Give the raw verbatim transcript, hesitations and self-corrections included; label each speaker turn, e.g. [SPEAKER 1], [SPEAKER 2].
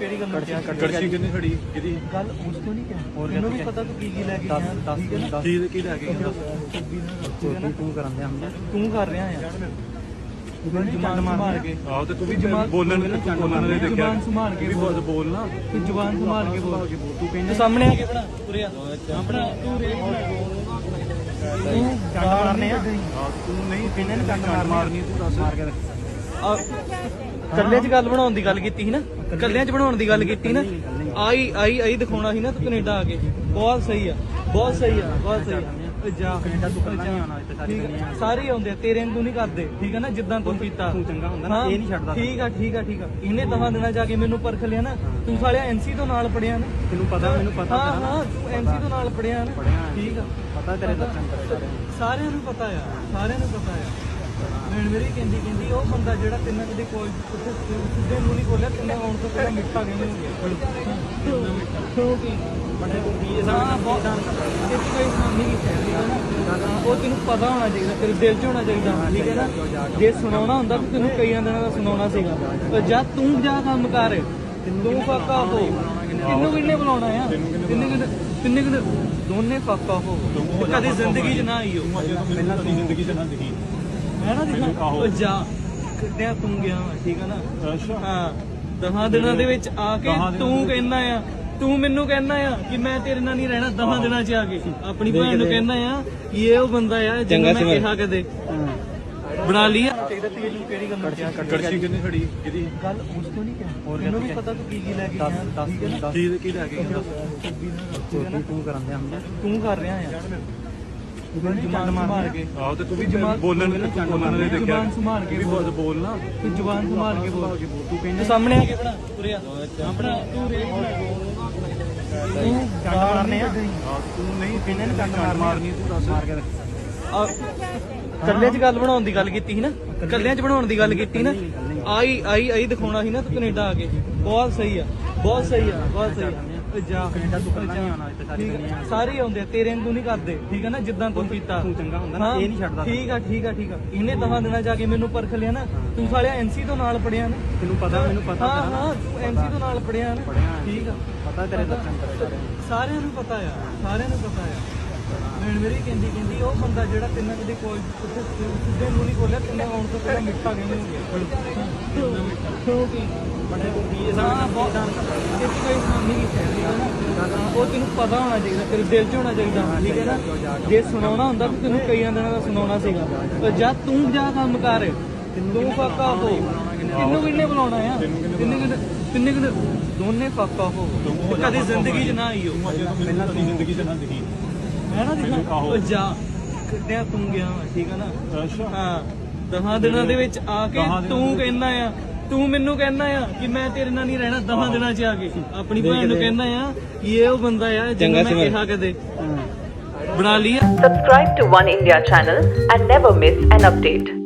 [SPEAKER 1] ਕਿਹੜੀ ਗੱਲ ਨੂੰ ਕਿਹਾ
[SPEAKER 2] ਕੜਛੀ ਕਿੰਨੀ ਖੜੀ ਕਿਹਦੀ
[SPEAKER 1] ਗੱਲ ਉਸ ਤੋਂ ਨਹੀਂ ਕਿਹਾ ਮੈਨੂੰ ਵੀ ਪਤਾ ਤੂੰ ਕੀ ਕੀ ਲੈ ਕੇ ਗਿਆ ਠੀਕ ਹੈ ਨਾ
[SPEAKER 2] ਚੀਜ਼ ਕੀ ਲੈ ਕੇ ਗਿਆ
[SPEAKER 1] ਚੋਟੀ ਤੂੰ ਕਰਨ ਦਿਆ ਤੂੰ ਕਰ ਰਿਹਾ ਆ ਤੂੰ ਜ਼ੁਬਾਨ ਸੰਭਾਲ ਕੇ
[SPEAKER 2] ਆਹੋ ਤੇ ਤੂੰ ਵੀ ਬੋਲਣ ਦੇ ਬੋਲਣ ਦੇ ਦੇਖਿਆ
[SPEAKER 1] ਜ਼ੁਬਾਨ ਸੰਭਾਲ ਕੇ
[SPEAKER 2] ਵੀ ਬੋਲ ਬੋਲਣਾ
[SPEAKER 1] ਤੂੰ ਜ਼ੁਬਾਨ ਸੰਭਾਲ ਕੇ ਬੋਲ
[SPEAKER 2] ਤੂੰ ਕਹਿੰਦਾ
[SPEAKER 1] ਸਾਹਮਣੇ ਆ ਕੇ ਬਣਾ ਤੁਰਿਆ ਆਪਣਾ ਤੂੰ ਰੇ ਤੂੰ ਚੰਡ ਮਾਰਨੇ ਆ
[SPEAKER 2] ਤੂੰ ਨਹੀਂ ਕਿੰਨੇ ਨੇ ਚੰਡ ਮਾਰਨੀ ਤੂੰ ਦੱਸ ਮਾਰ ਕੇ
[SPEAKER 1] ਕੱਲਿਆਂ 'ਚ ਗੱਲ ਬਣਾਉਣ ਦੀ ਗੱਲ ਕੀਤੀ ਸੀ ਨਾ ਕੱਲਿਆਂ 'ਚ ਬਣਾਉਣ ਦੀ ਗੱਲ ਕੀਤੀ ਨਾ ਆਈ ਆਈ ਆਈ ਦਿਖਾਉਣਾ ਸੀ ਨਾ ਤੂੰ ਕੈਨੇਡਾ ਆ ਕੇ ਬਹੁਤ ਸਹੀ ਆ ਬਹੁਤ ਸਹੀ ਆ ਬਹੁਤ ਸਹੀ ਆ ਜਾ ਕੈਨੇਡਾ ਤੂੰ ਕੱਲਾ ਨਹੀਂ ਆਉਣਾ ਇੱਥੇ ਸਾਰੇ ਸਾਰੇ ਆਉਂਦੇ ਤੇਰੇ ਵਾਂਗੂ ਨਹੀਂ ਕਰਦੇ ਠੀਕ ਹੈ ਨਾ ਜਿੱਦਾਂ ਤੂੰ ਕੀਤਾ
[SPEAKER 2] ਤੂੰ ਚੰਗਾ ਹੁੰਦਾ ਨਾ ਇਹ ਨਹੀਂ ਛੱਡਦਾ
[SPEAKER 1] ਠੀਕ ਆ ਠੀਕ ਆ ਠੀਕ ਆ ਇਹਨੇ ਦਹਾਂ ਦਿਨਾਂ ਜਾ ਕੇ ਮੈਨੂੰ ਪਰਖ ਲਿਆ ਨਾ ਤੂੰ ਸਾਲਿਆ ਐਨਸੀ ਤੋਂ ਨਾਲ ਪੜਿਆ ਨਾ
[SPEAKER 2] ਤੈਨੂੰ ਪਤਾ ਮੈਨੂੰ ਪਤਾ
[SPEAKER 1] ਹਾਂ ਹਾਂ ਤੂੰ ਐਨਸੀ ਤੋਂ ਨਾਲ ਪੜਿਆ ਨਾ ਠੀਕ ਆ
[SPEAKER 2] ਪਤਾ ਤੇਰੇ ਦਰਸ਼ਨ ਕਰੇ
[SPEAKER 1] ਸਾਰਿਆਂ ਨੂੰ ਪਤਾ ਆ ਸਾਰਿਆਂ ਨੂੰ ਪਤਾ ਆ ਮੈਂ ਮੇਰੀ ਕਹਿੰਦੀ ਕਹਿੰਦੀ ਉਹ ਬੰਦਾ ਜਿਹੜਾ ਤਿੰਨਾਂ ਕਦੇ ਕੋਈ ਉੱਥੇ ਸਿੱਧੇ ਮੂੰਹ ਨਹੀਂ ਬੋਲਿਆ ਤਿੰਨੇ ਆਉਣ ਤੋਂ ਪਹਿਲਾਂ ਮਿੱਠਾ ਕਹਿੰਦੇ ਹੋ ਕਿਉਂਕਿ ਬੜੇ ਕੀ ਹਾਂ ਬਹੁਤ ਇਹ ਕੋਈ ਸਾਮੀ ਨਹੀਂ ਕਹਿੰਦੀ ਉਹ ਤੈਨੂੰ ਪਤਾ ਹੋਣਾ ਚਾਹੀਦਾ ਤੇਰੇ ਦਿਲ 'ਚ ਹੋਣਾ ਚਾਹੀਦਾ ਠੀਕ ਹੈ ਨਾ ਜੇ ਸੁਣਾਉਣਾ ਹੁੰਦਾ ਤਾਂ ਤੈਨੂੰ ਕਈਆਂ ਦਿਨਾਂ ਦਾ ਸੁਣਾਉਣਾ ਸੀਗਾ ਪਰ ਜਦ ਤੂੰ ਜਾ ਕੰਮ ਕਰ ਤੂੰ ਫਾਕਾ ਹੋ ਤੈਨੂੰ ਕਿੰਨੇ ਬੁਲਾਉਣਾ ਆ ਤਿੰਨੇ ਕਿੰਨੇ ਤਿੰਨੇ ਕਿੰਨੇ ਦੋਨੇ ਫਾਕਾ ਹੋ ਕਦੇ ਜ਼ਿੰਦਗੀ 'ਚ ਨਾ ਆਈਓ
[SPEAKER 2] ਪਹਿਲਾਂ ਤੂੰ ਜ਼ਿੰਦਗੀ 'ਚ ਨਾ ਦਿਖੀ
[SPEAKER 1] ਮੈਂ ਨਾ ਦਿਖਾ ਉਹ ਜਾ ਕਿੱਦਾਂ ਤੂੰ ਗਿਆ ਠੀਕ ਆ ਨਾ
[SPEAKER 2] ਅੱਛਾ
[SPEAKER 1] ਹਾਂ ਦਹਾਂ ਦਿਨਾਂ ਦੇ ਵਿੱਚ ਆ ਕੇ ਤੂੰ ਕਹਿੰਦਾ ਆ ਤੂੰ ਮੈਨੂੰ ਕਹਿੰਦਾ ਆ ਕਿ ਮੈਂ ਤੇਰੇ ਨਾਲ ਨਹੀਂ ਰਹਿਣਾ ਦਹਾਂ ਦਿਨਾਂ 'ਚ ਆ ਕੇ ਆਪਣੀ ਭੈਣ ਨੂੰ ਕਹਿੰਦਾ ਆ ਕਿ ਇਹ ਉਹ ਬੰਦਾ ਆ ਜਿਹਨੂੰ ਮੈਂ ਕਿਹਾ ਕਦੇ ਬਣਾ ਲਈ ਆ ਚਾਹੀਦਾ ਤੈਨੂੰ ਕਿਹੜੀ ਗੱਲ ਨੂੰ ਕਿਹਾ
[SPEAKER 2] ਕੜਛੀ ਕਿੰਨੀ ਖੜੀ ਕਿਹਦੀ
[SPEAKER 1] ਗੱਲ ਉਸ ਤੋਂ ਨਹੀਂ ਕਿਹਾ ਮੈਨੂੰ ਵੀ ਪਤਾ ਤੂੰ ਕੀ ਕੀ ਲੈ ਕੇ ਗਿਆ ਠੀਕ ਹੈ ਨਾ
[SPEAKER 2] ਚੀਜ਼ ਕੀ ਲੈ ਕੇ ਗਿਆ
[SPEAKER 1] ਚੋਟੀ ਤੂੰ ਕਰਨ ਦਿਆ ਤੂੰ ਕਰ ਰਿਹਾ ਆ ਤੂੰ ਜ਼ੁਬਾਨ ਸੰਭਾਲ ਕੇ
[SPEAKER 2] ਆਹੋ ਤੇ ਤੂੰ ਵੀ ਬੋਲਣ ਦੇ ਬੋਲਣ ਦੇ ਦੇਖਿਆ
[SPEAKER 1] ਜ਼ੁਬਾਨ ਸੰਭਾਲ ਕੇ
[SPEAKER 2] ਵੀ ਬੋਲ ਬੋਲਣਾ
[SPEAKER 1] ਤੂੰ ਜ਼ੁਬਾਨ ਸੰਭਾਲ ਕੇ ਬੋਲ
[SPEAKER 2] ਤੂੰ ਕਹਿੰਦਾ
[SPEAKER 1] ਸਾਹਮਣੇ ਆ ਕੇ ਬਣਾ ਤੁਰਿਆ ਆਪਣਾ ਤੂੰ ਰੇ ਤੂੰ ਚੰਡ ਮਾਰਨੇ ਆ
[SPEAKER 2] ਤੂੰ ਨਹੀਂ ਕਿੰਨੇ ਨੇ ਚੰਡ ਮਾਰਨੀ ਤੂੰ ਦੱਸ ਮਾਰ ਕੇ
[SPEAKER 1] ਕੱਲਿਆਂ 'ਚ ਗੱਲ ਬਣਾਉਣ ਦੀ ਗੱਲ ਕੀਤੀ ਸੀ ਨਾ ਕੱਲਿਆਂ 'ਚ ਬਣਾਉਣ ਦੀ ਗੱਲ ਕੀਤੀ ਨਾ ਆਈ ਆਈ ਆਈ ਦਿਖਾਉਣਾ ਸੀ ਨਾ ਤੂੰ ਕੈਨੇਡਾ ਆ ਕੇ ਬਹੁਤ ਸਹੀ ਆ ਬਹੁਤ ਸਹੀ ਆ ਬਹੁਤ ਸਹੀ ਆ ਜਾ
[SPEAKER 2] ਕੈਨੇਡਾ ਤੂੰ ਕੱਲਾ ਨਹੀਂ ਆਉਣਾ ਇੱਥੇ ਸਾਰੇ
[SPEAKER 1] ਸਾਰੇ ਆਉਂਦੇ ਤੇਰੇ ਵਾਂਗੂ ਨਹੀਂ ਕਰਦੇ ਠੀਕ ਹੈ ਨਾ ਜਿੱਦਾਂ ਤੂੰ ਕੀਤਾ
[SPEAKER 2] ਤੂੰ ਚੰਗਾ ਹੁੰਦਾ ਨਾ ਇਹ ਨਹੀਂ ਛੱਡਦਾ
[SPEAKER 1] ਠੀਕ ਆ ਠੀਕ ਆ ਠੀਕ ਆ ਇਹਨੇ ਦਹਾਂ ਦਿਨਾਂ ਜਾ ਕੇ ਮੈਨੂੰ ਪਰਖ ਲਿਆ ਨਾ ਤੂੰ ਸਾਲਿਆ ਐਨਸੀ ਤੋਂ ਨਾਲ ਪੜਿਆ ਨਾ
[SPEAKER 2] ਤੈਨੂੰ ਪਤਾ ਮੈਨੂੰ ਪਤਾ
[SPEAKER 1] ਹਾਂ ਹਾਂ ਤੂੰ ਐਨਸੀ ਤੋਂ ਨਾਲ ਪੜਿਆ ਨਾ ਠੀਕ ਆ
[SPEAKER 2] ਪਤਾ ਤੇਰੇ ਦਰਸ਼ਨ ਕਰੇ
[SPEAKER 1] ਸਾਰਿਆਂ ਨੂੰ ਪਤਾ ਆ ਸਾਰਿਆਂ ਨੂੰ ਪਤਾ ਆ ਮੈਂ ਮੇਰੀ ਕਹਿੰਦੀ ਕਹਿੰਦੀ ਉਹ ਬੰਦਾ ਜਿਹੜਾ ਤਿੰਨਾਂ ਕਦੇ ਕੋਈ ਉੱਥੇ ਸਿੱਧੇ ਮੂੰਹ ਨਹੀਂ ਬੋਲਿਆ ਤਿੰਨੇ ਆਉਣ ਤੋਂ ਪਹਿਲਾਂ ਮਿੱਠਾ ਕਹਿੰਦੇ ਹੋ ਕਿਉਂਕਿ ਬੜੇ ਕੀ ਹਾਂ ਬਹੁਤ ਇਹ ਕੋਈ ਸਾਮੀ ਨਹੀਂ ਕਹਿੰਦੀ ਉਹ ਤੈਨੂੰ ਪਤਾ ਹੋਣਾ ਚਾਹੀਦਾ ਤੇਰੇ ਦਿਲ 'ਚ ਹੋਣਾ ਚਾਹੀਦਾ ਠੀਕ ਹੈ ਨਾ ਜੇ ਸੁਣਾਉਣਾ ਹੁੰਦਾ ਤਾਂ ਤੈਨੂੰ ਕਈਆਂ ਦਿਨਾਂ ਦਾ ਸੁਣਾਉਣਾ ਸੀਗਾ ਪਰ ਜਦ ਤੂੰ ਜਾ ਕੰਮ ਕਰ ਤੂੰ ਫਾਕਾ ਹੋ ਤੈਨੂੰ ਕਿੰਨੇ ਬੁਲਾਉਣਾ ਆ ਤਿੰਨੇ ਕਿੰਨੇ ਤਿੰਨੇ ਕਿੰਨੇ ਦੋਨੇ ਫਾਕਾ ਹੋ ਕਦੇ ਜ਼ਿੰਦਗੀ 'ਚ ਨਾ ਆਈਓ
[SPEAKER 2] ਪਹਿਲਾਂ ਤੂੰ ਜ਼ਿੰਦਗੀ 'ਚ ਨਾ ਦਿਖੀ
[SPEAKER 1] ਮੈਂ ਨਾ ਦਿਖਾ ਉਹ ਜਾ ਕਿੱਦਾਂ ਤੂੰ ਗਿਆ ਠੀਕ ਆ ਨਾ
[SPEAKER 2] ਅੱਛਾ
[SPEAKER 1] ਹਾਂ ਦਹਾਂ ਦਿਨਾਂ ਦੇ ਵਿੱਚ ਆ ਕੇ ਤੂੰ ਕਹਿੰਦਾ ਆ ਤੂੰ ਮੈਨੂੰ ਕਹਿੰਦਾ ਆ ਕਿ ਮੈਂ ਤੇਰੇ ਨਾਲ ਨਹੀਂ ਰਹਿਣਾ ਦਹਾਂ ਦਿਨਾਂ 'ਚ ਆ ਕੇ ਆਪਣੀ ਭੈਣ ਨੂੰ ਕਹਿੰਦਾ ਆ ਕਿ ਇਹ ਉਹ ਬੰਦਾ ਆ ਜਿਹਨੂੰ ਮੈਂ ਕਿਹਾ ਕਦੇ ਬਣਾ ਲਈ ਆ
[SPEAKER 3] Subscribe to One India channel and never miss an update.